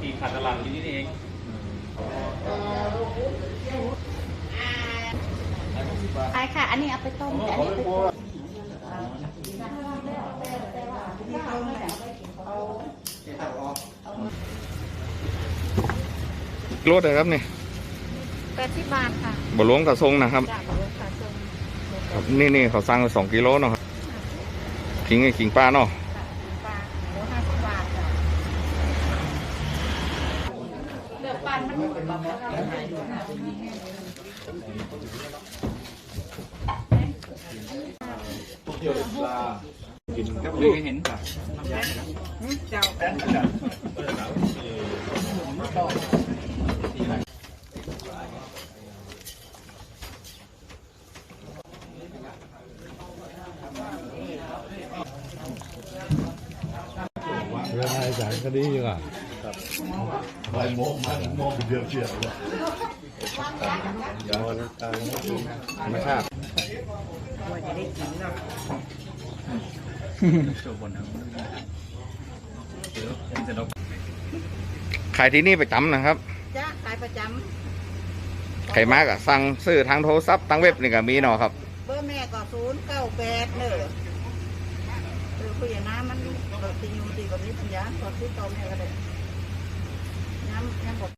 ปีขาดตลาดอยู่นี่เองใช่ค่ะอันนี้เอาไปต้มแต่อันนี้ไปต้มโลดเลยครับนี่ 80 บาทค่ะบะหลวงกระทรงนะครับจากบริษัทส่งครับนี่เขาสั่ง2 กิโลเนาะครับขิงปลาเนาะปลาโล50 บาทจ้ะเลือกปันมันเลยเห็นเจ้าเรื่องอะไรสารคดีอยู่อ่ะไปโมกเดียวเชี่ยวเลยยาวแล้วตายไม่คาดว่าจะได้กินเนาะโชว์บนนะขายที่นี่ประจำนะครับจ้าขายประจำใครมากอะสั่งซื้อทางโทรศัพท์ทางเว็บนี่ก็มีเนาะครับเบอร์แม่ก็098เนอะคุยกับน้ำมันตีอยู่ตีกับนี้ปัญญาสดที่โตแม่ก็ได้น้ำบอก